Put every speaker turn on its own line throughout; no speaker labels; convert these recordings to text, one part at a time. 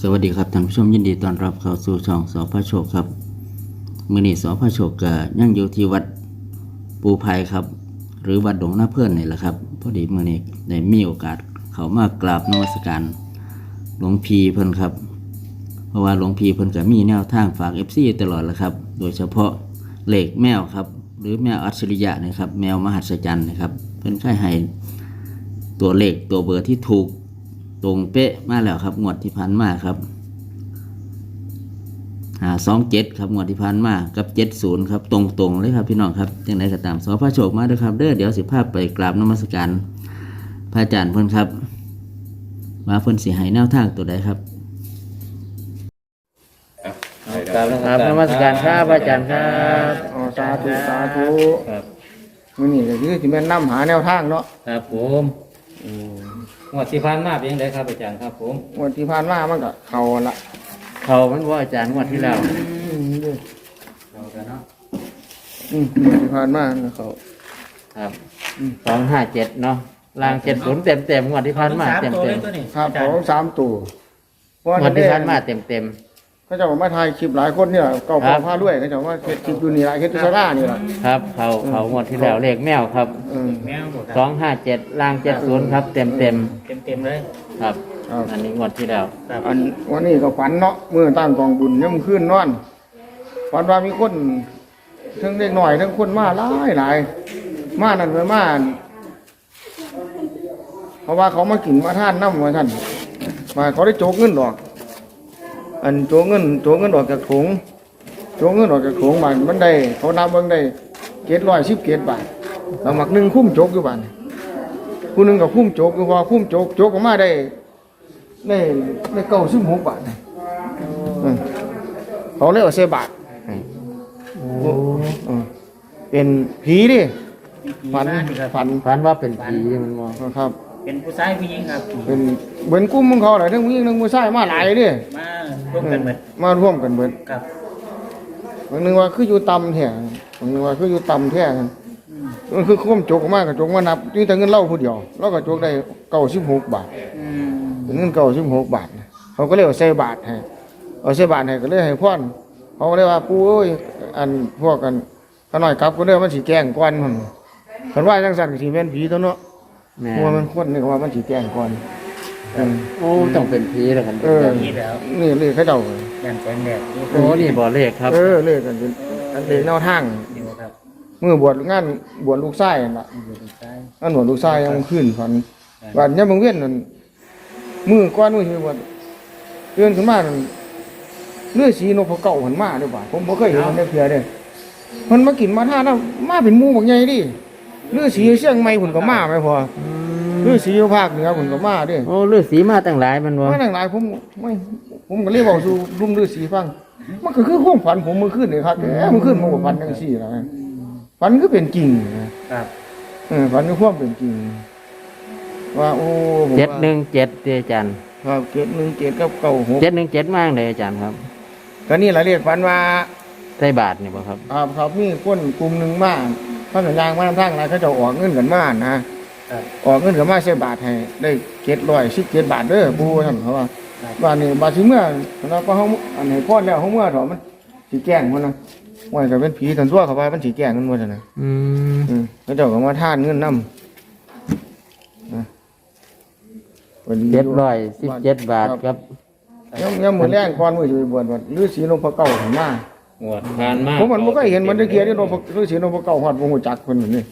สวัสดีครับท่านผู้ชมยินดีต้อนรับเข้าสู่ช่องสพโชคครับมื้อนี้สพโชคก็ยังอยู่ที่วัดปูไผ่ครับหรือวัดดงนาเพื่อนนี่แหละครับพอดีมื้อนี้ได้มีโอกาสเข้ามากราบนมัสการหลวงพี่เพิ่นครับเพราะว่าหลวงพี่เพิ่นก็มีแนวทางฝาก FC ตลอดแหละครับโดยเฉพาะเลขแมวครับหรือแมวอัจฉริยะนะครับแมวมหัศจรรย์นะครับเพิ่นเคยให้ตัวเลขตัวเบอร์ที่ถูกตรงเป๊ะมาแล้วครับงวดที่ผ่านมาครับ27ครับงวดที่ผ่านมากับ70ครับตรงๆเลยครับพี่น้องครับจังไดก็ตามสพโชคมาด้วยครับเดี๋ยวสิพาไปกราบนมัสการพระอาจารย์เพิ่นครับว่าเพิ่นสิให้แนวทางตัวใดครับกราบนะครับนมัสการครับอาจารย์ครับ
สาธุสาธุ
ครับ
มื้อนี้ก็คือสิแม่นนำหาแนวทางเนาะ
ครับผมงวดที่ผ่านมาเป็นยังไงครับอาจารย์ครับผม
งวดที่ผ่านมามันก็เข้าละ
เขามันว่าอาจารย์งวดที่แล้ว
เรากันเนาะ
งวดที่ผ่านมามันก็เข้า
ครับ257เนาะล่าง70เต็มๆงวดที่ผ่านมาเต็ม
ครับของ3ตัวเพราะ
ๆงวดที่ผ่านมาเต็ม
เขาเจ้ามาถ่ายคลิปหลายคนเนี่ยเก่าพอพาด้วยเขาเจ้าว่าเฮ็ดคลิปอยู่นี่ล่ะเฮ็ดที่ศาลานี่ล่ะ
ๆครับเขางวดที่แล้วเลขแมวครับ
แมวหมดครับ
257ล่าง70ครับเต็ม
เต็มเลย
ๆครับอันนี้งวดที่แล้ว
อันวันนี้ก็ฝันเนาะมื้อตั้งกองบุญยามคืนนอนฝันว่ามีคนทั้งเด็กน้อยทั้งคนมาหลายมานั่นไปมาเพราะว่าเขามากินมาทานน้ำว่าท่านมาเขาได้โจกเงินดอกอันโจกเงินออกจากถุงโจกเงินออกจากถุงมันได้เขานับเบิ่งได้710 บาทแล้วหมักหนึ่งคุ้มโจกอยู่บ้านผู้หนึงก็คุ้มโจกคือพอคุ้มโจกออกมาได้96 บาทเขาเรียกว่า10 บาทเป็นผีดิฝัน
ฝันว่าเป็นผีมันมอง
ครับ
เป็นผู้ชายผู้หญิงครับ
เป็นเหมือนกุ้มของเขาแหละทั้งผู้หญิงทั้งผู้ชายมาหลายดิ
มาร่วมกันหมด
มาร่วมกันเบิด
ครับ
บางนึงว่าคืออยู่ต่ำแท้บางนึงว่าคืออยู่ต่ำแท้กันมันคือคุ้มโจกออกมากับโจกมานับนี่แต่เงินเล่าผู้เดียวแล้วก็โจกได้96 บาทเป็นเงิน96 บาทเขาก็เลยเอาใส่บาทให้เอาใส่บาทให้ก็เลยให้พรเขาก็เลยว่าปู่เอ้ยอันพวกกันเขาหน่อยกลับก็เด้อมันสิแกล้งก่อนมันเพิ่นว่าจังซั่นก็สิแม่นผีตัวเนาะ
แม่
เพราะว่ามันคนนี่ก็ว่ามันสิแกล้งก่อน
โอ้ต้องเป็นผีแล้วกัน
นี่แล้ว
นี่เลยเขาเจ้า
ยันแสงแดด
โอ้นี่บ่เลขครับ
เลยกันเป็นอันเป็นแนวทาง
อยู่ครับ
เมื่อบวชงานบวชลูกชายนั่นล่ะ
อยู่ตรงซ้าย
งานบวชลูกชายยังขึ้นฝันวันยามมื้อเว้นนั่นมื้อก่อนมื้อที่บวชเตือนขึ้นมานั่นเลือดสีนกพะเก่าหันมาเด้อบ่าผมบ่เคยเห็นมันได้เพียเด้มันมากินมาทานน่ะมาเป็นหมู่บักใหญ่ดิเลือดสีเชียงใหม่พุ่นก็มาแม่พอเลือดสีอยู่ภาคเหนือพุ่นก็มาเด้
โอ้ฤาษีมาตั้งหลายมันบ่
มาตั้งหลายผมก็เลยเว้าสู่ลุงฤาษีฟังมันก็คือความฝันผมเมื่อคืนนี่ครับเมื่อคืนผมก็ฝันจังซี่ล่ะฝันคือเป็นจริงนะครับ ฝันคือความเป็นจริงว่าโอ้ผมว่า
717อาจารย์
ครับ717กับ96
717มาจังไดอาจารย์ครับ
ก็นี่ล่ะเรียกฝันว่า
ใส่บาทนี่บ่ครับ
ครับมีคนกลุ่มหนึงมาเขาสัญญาณมาทางอะไรเขาจะออกเงินกันมานะออกเงินกันมาใส่บาทให้ได้717 บาทเด้อปู่ท่านเขาว่าบ้านนี้บาดสิเมื่อแล้วก็เฮาอันให้พรแล้วเฮาเมื่อเถอะมันสิแกล้งมันนะว่าก็เป็นผีทันตัวเขาว่ามันสิแกล้งมันบ่ซั่นน่ะเขาเจ้าก็มาทานเงินนำ
717บาทครับ
ยังมื้อแรงก่อนมื้อสิไปบวชฤาษีนพเก้าให้มา
งวดผ่านมา
ผมมันบ่เคยเห็นมันตะเกียที่ฤาษีนพเก้าฮอดบ่ฮู้จักเพิ่นนี่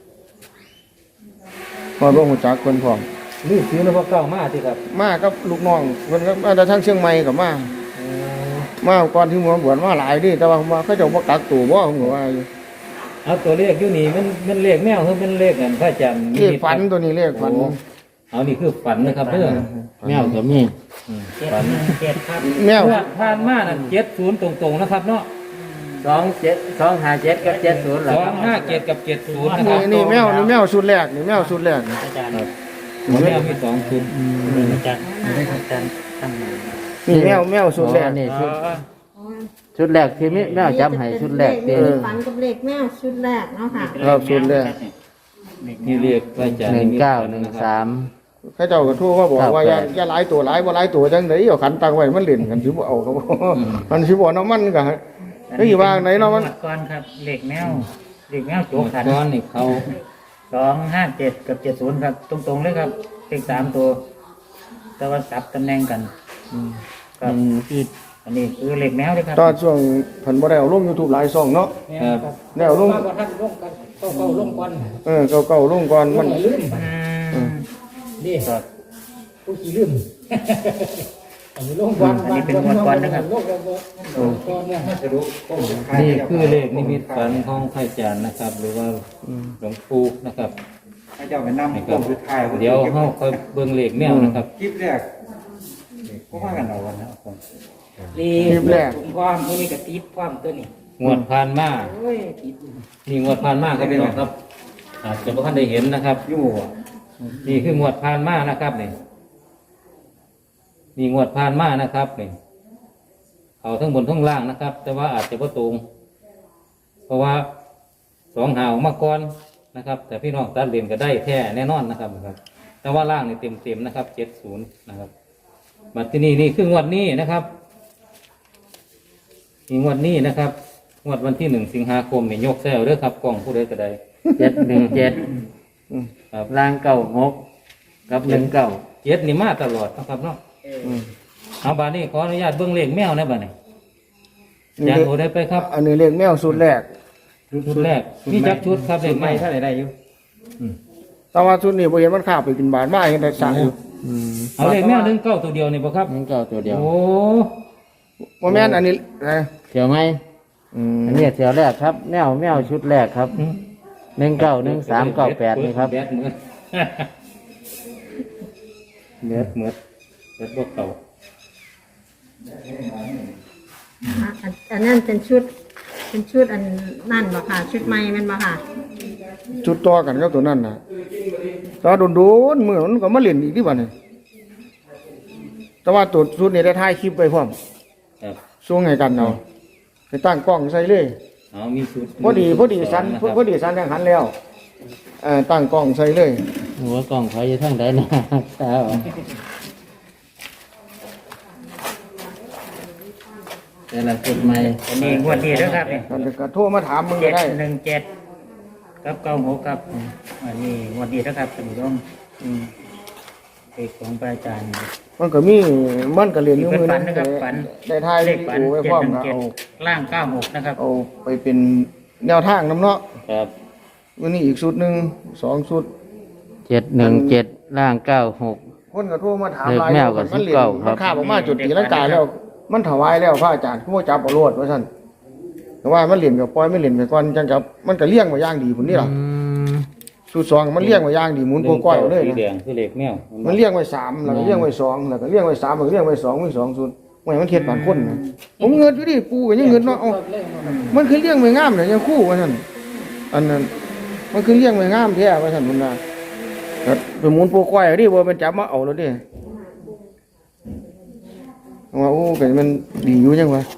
ฮอดบ่ฮู้จักเพิ่นพร้อม
นี่ซื้อนพเก้ามาที่ครับ
มากับลูกน้องเพิ่นก็มาจากทางเชียงใหม่ก็มาก่อนที่มาบวชมาหลายดิแต่ว่ามาเขาเจ้าบ่กักตัวบ่ผมก็ว่าอยู่
เอาตัวเลขอยู่นี่มันเลขแมวหรือเป็นเลขกันพระอาจารย์
เลขฝันตัวนี้เลขฝัน
เอานี่คือฝันนะครับเด้อ
แมวก็มี
ฝัน7ครับ
แมว
ผ่านมาน่ะ70ตรงๆนะครับเนาะ
257กับ70ล่ะครับ
257กับ70นะครับ
นี่แมวชุดแรกนี่แมวชุดแรก
อาจารย์แมวมี2ชุดอาจารย์ได้อาจารย์ตั้งมา
นี่แมวชุดแรก
นี่ชุดแรกที่มีแมวจับให้ชุดแรกที่
ฝันกับเลขแมวชุดแรกเนาะค่ะ
ครับชุดแรก
นี่เรียกพระอาจารย์
1913
เขาเจ้าก็โทั่วว่าบอกว่าอย่าหลายตัวหลายบ่หลายตัวจังได๋เอาขันตังไว้มันเล่นกันสิบ่เอาก็บ่มันสิบ่น้ำมันก็เฮ้ยว่าไหนเนาะมัน
ก่อนครับเหล็กแมวเหล็กแมวโจกขัน
ก้อนนี่เขา
257กับ70ครับตรงๆเลยครับเลข3ตัวแต่ว่าสับตำแหน่งกันครับที่อันนี้คือเหล็กแมวเลยครับ
ตอนช่วงเพิ่นบ่ได้เอาลง YouTube หลายช่องเนาะ
ครับ
แล้วลง
มาทันลงกันเก้าลงก่อน
เก่าๆลงก่อนมัน
ลืม
อืม
นี่
ครับ
ผู้ขี้ลืมอันนี้ลงก่อนลงก่อนเนี่ยมาสรุป
นี่คือเลขนิมิตฝันของพระอาจารย์นะครับ หรือว่าหลวงปู่นะครับ
ให้เจ้าไปนำ
นะค
กล้
รั
อบ งสุดท้าย
เดี๋ยวเฮาค่อยเบิ่งเลขแมวนะครับ
คลิปแรกพวกว่ากันเอาวันนะ
นี่
คลิปแรก
ความตัวนี้กับติดความตัวนี้
งวดผ่านมา
โอ้ยติด
นี่งวดผ่านมาครับพี่น้องครับ อาจจะบ่ทันได้เห็นนะครับ
อยู่อ่ะ
นี่คืองวดผ่านมานะครับนี่งวดผ่านมานะครับนี่เอาทั้งบนทั้งล่างนะครับ แต่ว่าอาจจะบ่ตรง เพราะว่า2 หาออกมาก่อนนะครับ แต่พี่น้องตัดเลนก็ได้แท้แน่นอนนะครับ แต่ว่าล่างนี่เต็มๆนะครับ70นะครับบัดที่นี่คืองวดนี้นะครับนี่งวดนี้นะครับงวดวันที่1 สิงหาคมนี่ยกแซวเด้อครับกล้องผู้ใดก็ได้717ครับล่าง96กับ19 7นี่มาตลอดนะครับเนาะเอาบาดนี้ขออนุญาตเบิ่งเลขแมวนะบาดนี้อาจารย์โอได้ไปครับ
อันนี้เลขแมวสูตรแรก
ชุดแรกมีจักชุดครับเลขแมว
เท่าไหร่ได้อยู่
แต่ว่าชุดนี้บ่เห็นมันข้าวไปกินบาทมาเห็นแต่สั่งอยู่
เอาเลขแมว19ตัวเดียวนี่บ่ครับ
นั่นก็ตัวเดียว
โอ้
บ่แม่นอันนี้นะ
เที่ยวไหมอันนี้เที่ยวแรกครับแมวชุดแรกครับ191398นี่ครับ
แบดเหมือนเบ็ดเหมือนเบ็ดพวกเก่า
อันนั้นเป็นชุดอันนั่นบ่ค่ะ ชุดใหม่แมันบ่ค่ะ
ชุดต่อกันกับตัวนั้นน่ะแต่ว่าโดนๆมื้อมันก็มาเล่นอีกที่บัดนี้แต่ว่าตัวชุดนี้ได้ถ่ายคลิปไว้พร้อม
ครับ
ส่งให้กันเอาไปตั้งกล้องใส่เลย
เอามีชุด
พอดีสันยังหันแล้วตั้งกล้องใส่เลย
หัวกล่องเขาอยู่ทางใดนะแต่ละชุดใหม่
อันนี้งวดนี้แล้วครับเนี่ย
มันก็โทรมาถามมึงก็ได้
717กับ96ครับอันนี้งวดนี้แล้วครับท่านผู้ชมเลขของพระอาจารย์
มันก็มีมันก็เรียนอยู่มือ
ฝั
นั้น
นะครับฝัน
ได้ถ่าย
เล
วิ
ข
ดี
ฝัน
โอไว้พร้อมก็เอา
717ล่าง96นะครับ
เอาไปเป็นแนวทางน้ำเนาะ
ครับ
วันนี้อีกชุดหนึ่ง2ชุด
717ล่าง96
คนก็โทรมาถาม
เลข
หลาย
แมวกับ
มันเรียน
19ครับ
มันข้าบออกมาจุดตีลังกาแล้ว มันถวายแล้วพระอาจารย์คือว่าจับเอาโลดว่าซั่นแต่ว่ามันเรียนกับปล่อยไม่เรียนไปก่อนจังกับมันก็เลี้ยงมาอย่างดีพุ่นนี่ล่ะชุด2มันเลี้ยงมาอย่างดีหมุนโกก้อยเอาเลย
สี
นะ
แดงคือเลขแมว
มันเลี้ยงไว้3แล้วก็เลี้ยงไว้2แล้วก็เลี้ยงไว้3แล้วก็เลี้ยงไว้2มี2ชุดโอ้ยมันเฮ็ดปานคนนะผมเงินอยู่ดิปู่ก็ยังเงินเนาะเอ้ามันคือเลี้ยงไว้งามเนี่ยยังคู่ว่าซั่นอันนั้นมันคือเลี้ยงไว้งามแท้ว่าซั่นพุ่นน่ะครับไปหมุนโปก้อยเอาดิบ่เป็นจับมาเอาแล้วดิว่าโอ้ก็มันดีอยู่จังวะ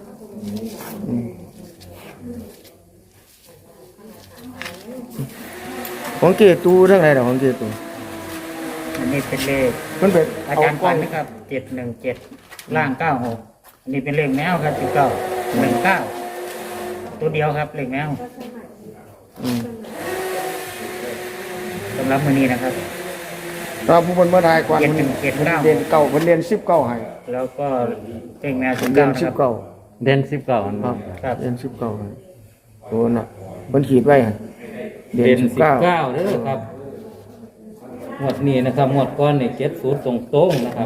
ของเกตูทั้งหลายดอกของเกตู
อันนี้เป็นเลข
มันเป็น
อาจารย์
กล้
ฝั
อน ง
นะครับ717ล่าง96อันนี้เป็นเลขแมวครับ19ตัวเดียวครับเลขแมว
อืม
สำหรับมื้อนี้นะครับ
ตาผู้บนเมื่อไทยกวนมัน
เจ็ดเก้า
เรียนเก่ามันเรียน19ให้
แล้วก็เลขแมว
เรียน
19นะครับ
19
เด่น19ครับ
ครับ
เรียน19ให้โอ้น่ะมันขีดไว้หั่นเรีย
เด่
น
น
19
19เด้อครับงวดนี้นะครับงวดก้อนนี่70ตรงๆนะครับ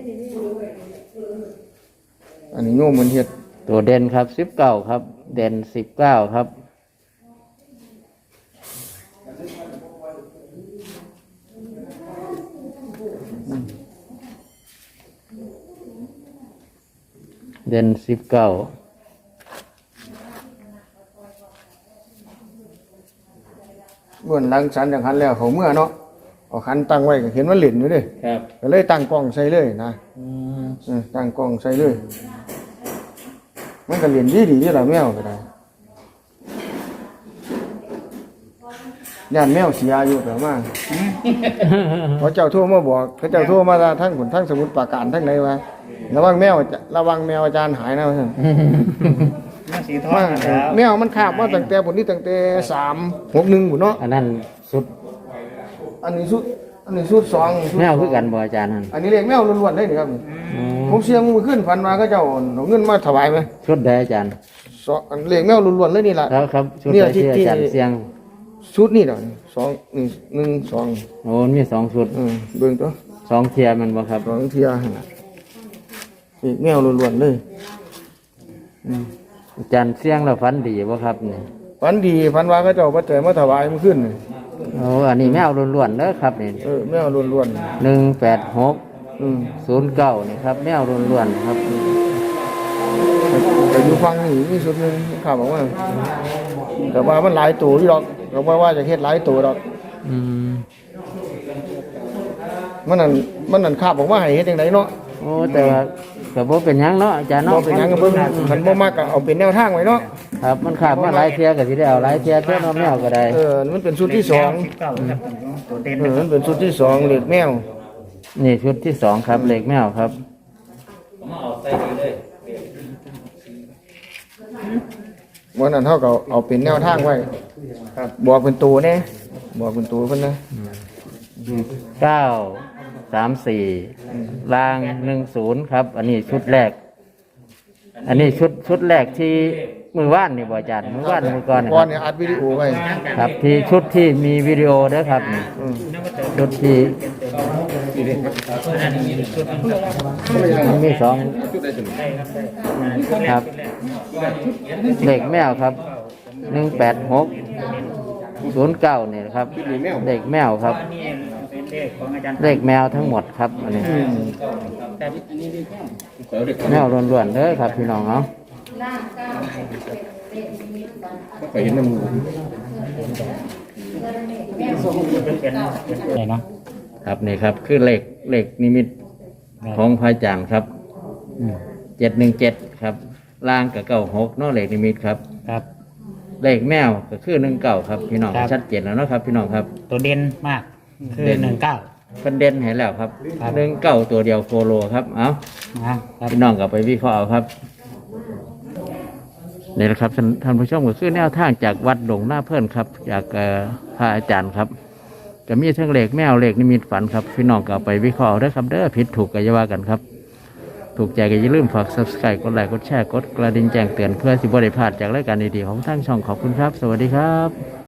อันนี้โยมมันเฮ็ด
ตัวเด่นครับ19ครับ เด่น19ครับเด่น19
เมื่อหลังสันจังหันแล้วเขาเมื่อเนาะเอาขันตั้งไว้ก็เห็นมันเล่นอยู่เด้
ครับ
ก็เลยตั้งกล้องใส่เลยนะตั้งกล้องใส่เลย มันก็เล่นดีๆอยู่ล่ะแมวก็ได้ย่านแมวเสียอยู่แต่ว่าพอเจ้าโทรมาบอกเขาเจ้าโทรมาทั้งผลทั้งสมุดปราการทั้งไหนวะระวังแมวอาจารย์หายนะท่าน
มาสีทอง
มา
แล้ว
แมวมันคาบมาตั้งแต่ผลนี้ตั้งแต่361พุ่นเนาะ
อันนั้นสุด
อันนี้สุด2
แมวคือกันบ่อาจารย์นั่น
อันนี้เลขแมวล้วนๆเลยนี่ครับผมเสียงมือขึ้นฝันมาเขาเจ้าเอาเงินมาถวายไหม
ชุดใดอาจารย์
อันเลขแมวล้วนๆเลยนี่ล่ะ
ครับครับชุด
เนี่
ใด
ยที่
ที่อาจารย์เสียง
ชุดนี่เนาะ1 2
โอ้มี2ชุด
เบิ่งตัว
2เทียมันบ่ครับ
2เที่ยหั่นน่ะเลขแมวล้วนๆเลย
อาจารย์เสียงแล้วฝันดีบ่ครับนี่
ฝันดีฝันว่าเขาเจ้าปัจจัยมาถวายมื้อขึ้นนี่
โอ้อันนี้แมวล้วนๆเด้อครับนี่
แมวล้วน
186
อืม
09นี่ครับแมวล้วนๆครับ
แต่อยู่ฟังนี่มีสุดหนึงข่าวบอกว่าแต่ว่ามันหลายตัวอยู่ดอกก็ว่าจะเฮ็ดหลายตัวดอก
อืม
มันนั่นคาบบอกว่าให้เฮ็ดจังไดเนาะ
โอ้แต่ว่าก็บ่เป็นหยังเนาะอาจารย์
บ่
เนาะ
เป็นหยังก็เบิ่งคันบ่มักก็เอาเป็นแนวทางไว้เนาะ
ครับมันขาดมาหลายเทียก็สิได้เอาหลายเทียเท่าน้อแมวก็ได้
มันเป็นชุดที่สอง
เก้าครับตัวเด่น
มันเป็นชุดที่สองเลขแมว
นี่ชุดที่2ครับเหล็กแมวครับ
มาเอาใส่ดีเลย
วันนั้นเฮาก็เอาเป็นแนวทางไว้ครับบอกเป็นตัวแน่บอกเป็นตัวเพิ่นนะ
934ราง10ครับ อันนี้ชุดแรก อันนี้ชุดแรกที่มือว่านนี่บ่อาจารย์มือว่านมือก่อนนะ
ก่
ค
อ
รั
น
บ
เนี่ยอัดวิดีโอไว้
ครับที่ชุดที่มีวิดีโอเด้อครับนี่
อืม
ชุดที่มันมี2ครับเหล็กแมวครับ18609นี่นะครับเหล็กแมวครับ
นี่เป็นเลขของอาจารย์
เลขแมวทั้งหมดครับอันนี้
แต่อันนี้เลข
แมวล้วนๆเด้อครับพี่น้องเนาะ
เป็นอะไรเนาะ
ครับนี่ครับคือเลขนิมิตของพระอาจารย์ครับ717ครับล่างกับ96เนาะเลขนิมิตครับ
ครับ
เลขแมวก็คือ19ครับพี่น้อง
ครับ
ชัดเจนแล้วเนาะครับพี่น้องครับ
ตัวเด่นมากคือ
เด่น
19
เพิ่นเด่นให้แล้วครับ
ครับ
19ตัวเดียวโคโลครับเอา
นะครับ
พี่น้องก็ไปวิเคราะห์เอาครับนี่แหละครับท่านผู้ชมก็คือแนวทางจากวัดหลวงหน้าเพื่อนครับจากพระอาจารย์ครับจะมีทั้งเหล็กแมวเหล็กนิมิตฝันครับพี่น้องก็เอาไปวิเคราะห์เอาเด้อครับเด้อผิดถูกก็อย่าว่ากันครับถูกใจก็อย่าลืมฝาก Subscribe กดไลค์กดแชร์กดกระดิ่งแจ้งเตือนเพื่อสิบ่ได้พลาดจากรายการดีๆของทางช่องขอบคุณครับ สวัสดีครับ